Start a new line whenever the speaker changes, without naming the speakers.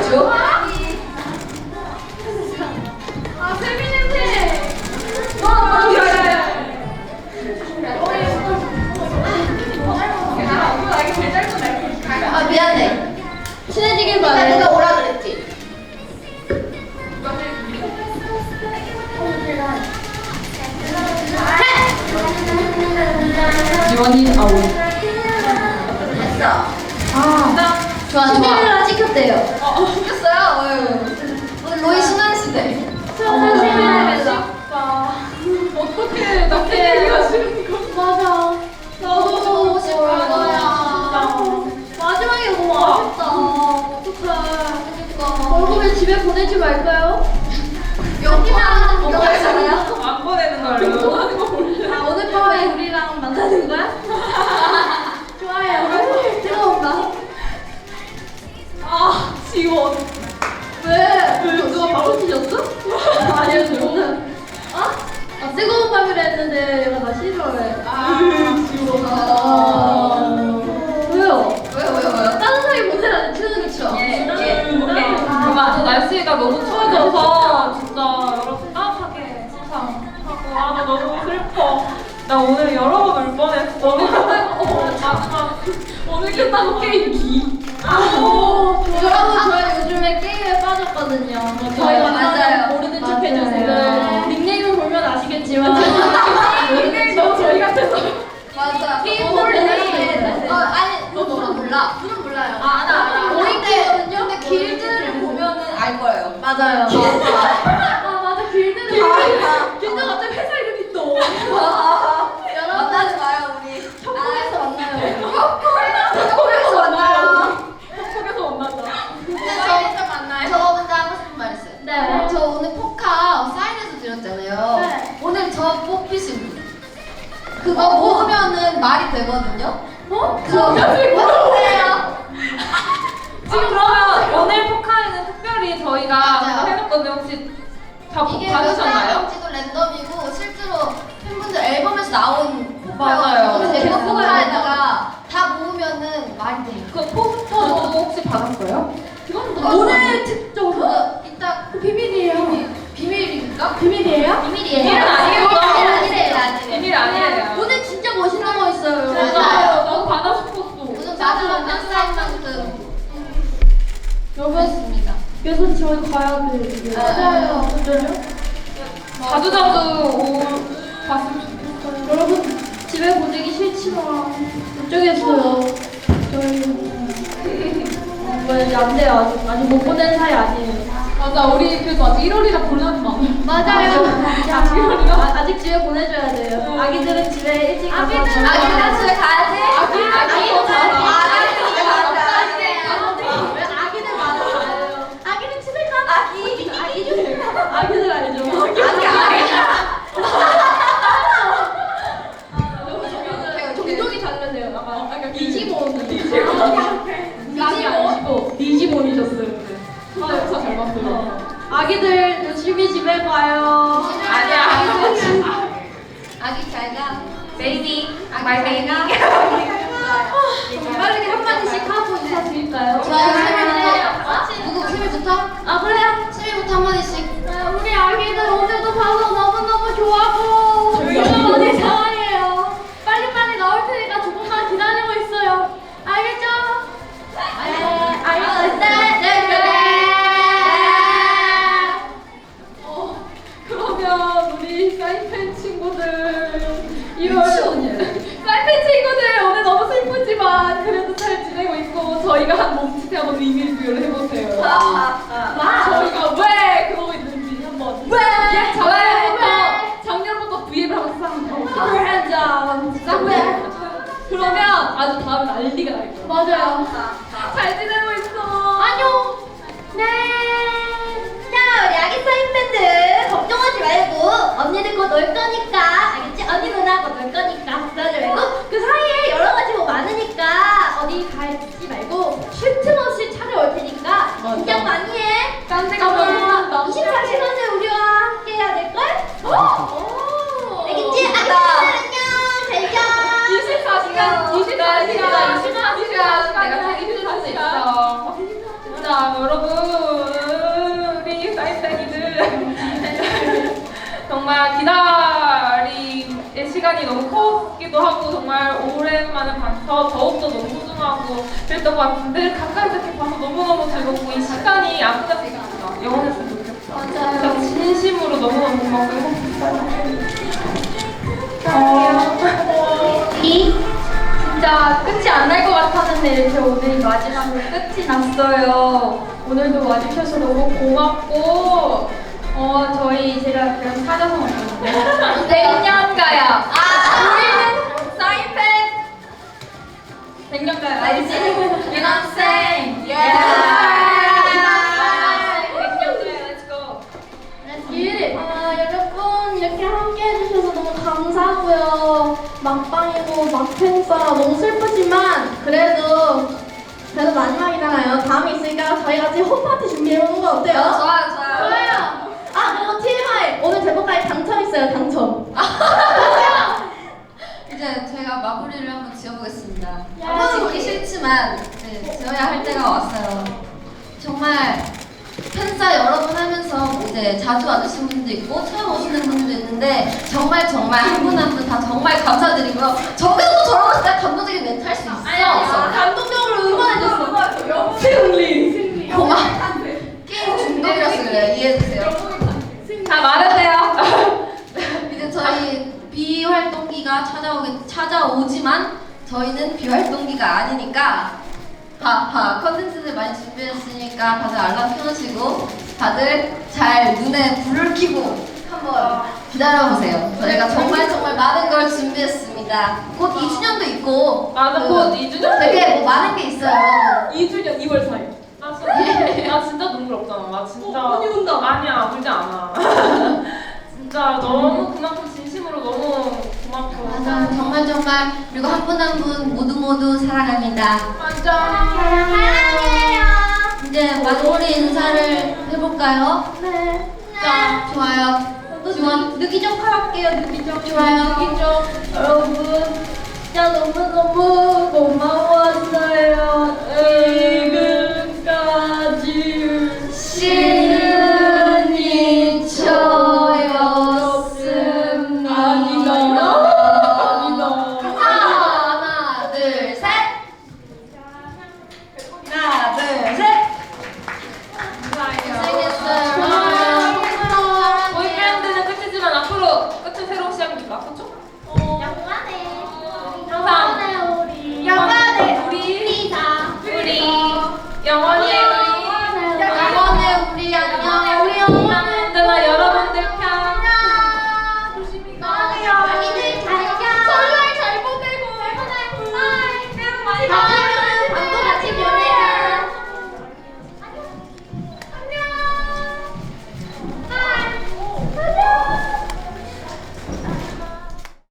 있죠?
아, 세미 냄새.
아 미안해.
친해지길
나
바래.
내가 오라 그랬지.
지원이 아우.
됐어.
아,
좋아 좋아.
시계를 찍혔대요.
생겼어요. 오늘 로이 신한 시대.
어떻게 나 깨기가 싫은 거? 맞아. 나도
보고 싶은 거야.
마지막에 너무 아쉽다. 어떡해. 얼굴에 집에 보내지 말까요?
여기만 여기잖아요.
안 보내는 걸로.
아, 오늘 밤에 우리랑 만나는 거야? 좋아요. 뜨거운가?
아, 지원.
왜? 누가 바꿔 주셨어? 아니요, 저는. 어? 아, 뜨거운 밤이라 했는데 얘가 나 싫어해. 왜요?
왜요?
따뜻하게 보내라는 추억이죠.
그만. 날씨가 너무 추워져서 진짜 여러분 따뜻하게 항상 하고 나 너무 슬퍼. 나 오늘 여러 번 울 뻔했어. 오늘 마지막 오늘 끝나고 게임기.
여러분, 저희 요즘에 게임에 빠졌거든요. 저희가
맞아요.
모르는 척
맞아요.
해주세요. 닉네임을 보면 아시겠지만.
닉네임 너무 저희 같아서.
맞아.
게임
오늘
모르네.
아니 너는 몰라.
저는 몰라요.
알아.
모이거든요.
근데 길드를 보면은 알 거예요.
맞아요. 아, 맞아. 길드는 길드 갑자기 회사 이름이 또. 여러분,
만나지 마요 우리.
협곡에서 만나요.
협곡에서 만나요.
속에서 만나자.
저 먼저 하고 싶은 말 있어요.
네.
저 오늘 포카 사인해서 드렸잖아요.
네.
오늘 저 뽑히신 분. 그거 모으면은 말이 되거든요.
어?
그거 어떠세요?
지금 그러면 오늘 포카에는 특별히 저희가
맞아요.
해놓거든요. 혹시 다
이게
받으셨나요?
지도 랜덤이고 실제로 팬분들 앨범에서 나온
맞아요.
포카예요. 그래서 그
네.
포카에다가 다 모으면은 말이 돼요.
그 포스터도 혹시 받았어요?
오늘 특종으로?
그거 이따
비밀이에요.
비밀입니까?
비밀이에요?
비밀 아니에요. 비밀 아니에요.
오늘 진짜 멋있는 거 있어요.
맞아요. 나도 받아 싶었어.
오늘 마지막 몇 사인만큼
여러분,
있습니다.
그래서 저희 가야 돼.
맞아요.
자주 봤으면 좋겠어요.
여러분, 집에 보내기 싫지만 어쩌겠어요. 저희 왜 안 돼요. 아직 못 보낸 사이 아니에요.
맞아, 우리 그래도 아직 1월이라 보내는 거 아니야?
맞아요.
아직 1월이요?
아직 집에 보내줘야 돼요. 아기들은 집에 일찍 가서
아기들은 집에 가야지.
아기?
왜 아기들 많아요? 아기는 집에 가. 아기들 알죠? 종족이 다르네요. 약간 디지몬. 디지몬이셨어요.
아, 역사 잘 봤어요.
아기들 조심히 집에 가요.
아니야.
아기 잘 가.
베이비. 마이 베이비.
빠르게 한마디씩 하고 인사드릴까요?
좋아요. 생일부터. 누구 생일부터?
아, 그래요?
생일부터 한마디씩.
우리 아기들 오늘도 봐서 너무너무 좋아하고 너무 사랑해요. 빨리빨리 나올 테니까 조금만 기다리고 있어요. 알겠죠? 네, 알겠어요.
그러면 우리 사인펜 친구들 2월 사인펜 친구들 오늘 너무 슬프지만 그래도 잘 지내고 있고 저희가 한 몸짓에 한번 의미 부여를 해보세요. 저희가 왜 그러고 있는지 한번
왜?
작년부터 V앱을 한번 싹
Put your hands up. 왜?
그러면 아주 다음 난리가 날 거예요.
맞아요.
잘 지내고 있어.
안녕.
네. 자, 우리 아기 사인 밴드 걱정하지 말고 언니들 곧 올 거니까 알겠지? 언니 누나 곧 올 거니까 걱정하지 말고 그 사이에 여러 가지 뭐 많으니까 어디 가지 말고 쉴 틈 없이 찾아올 테니까 긴장 많이 해.
딴 데 가면
24시간을 우리와 함께 해야 될걸? 알겠지? 아기들 안녕. 잘 자.
24시간 내가 책임질 수 있어. 자, 여러분 진짜 기다림의 시간이 너무 컸기도 하고 정말 오랜만에 봐서 더욱더 너무 소중하고 그랬던 것 같은데 가까이서 이렇게 봐서 너무너무 즐겁고 이 시간이 안 끝났으면 좋겠다. 영원했으면 좋겠다.
맞아요.
진심으로 너무너무 고맙고
진짜 끝이 안 날 것 같았는데 이렇게 오늘 마지막으로 끝이 났어요. 오늘도 와주셔서 너무 고맙고 저희 제가 그런 사자성 없거든요. 백년가야. 우리는 사인펜 백년가야. 알지? 유남생. 여러분 이렇게 함께 해주셔서 너무 감사하고요. 막방이고 막팬싸 너무 슬프지만 그래도 마지막이잖아요. 다음에 있으니까 저희 같이 홈파티 준비해보는 거 어때요?
좋아요.
좋아요. 아 그리고 TMI 오늘 제목까지 당첨 있어요. 당첨.
이제 제가 마무리를 한번 지어보겠습니다.
야.
한번 짓기 싫지만 지어야 할 때가 왔어요. 정말 팬싸 여러 번 하면서 뭐 이제 자주 와주신 분도 있고 처음 오시는 분도 있는데 정말 한 분 한 분 다 정말 감사드리고요. 저기서도 저러고 진짜 감동적인 멘트 할 수 있어.
감동적으로 응원해줬어.
승리.
고마워. 게임 중독이라서 그래요. 이해해주세요.
다 말하세요.
이제 저희 비활동기가 찾아오지만 저희는 비활동기가 아니니까 컨텐츠들 많이 준비했으니까 다들 알람 켜놓으시고 다들 잘 눈에 불을 켜고 한번 기다려보세요. 저희가 정말 많은 걸 준비했습니다. 곧 2주년도 있고
맞아, 곧 2주년?
되게 뭐 많은 게 있어요, 여러분.
2주년 2월 4일. 나 진짜 눈물 없잖아. 나 진짜.
언니 운다.
아니야, 울지 않아. 진짜 너무 그만큼 진심으로 너무 고맙고.
맞아, 정말 그리고 한 분 한 분 모두 사랑합니다.
사랑해요.
이제 마무리 인사를 해볼까요?
네.
자, 좋아요. 지원
느끼 좀 할게요. 느끼 좀.
좋아요.
느끼 좀. 여러분 진짜 너무 고마웠어요.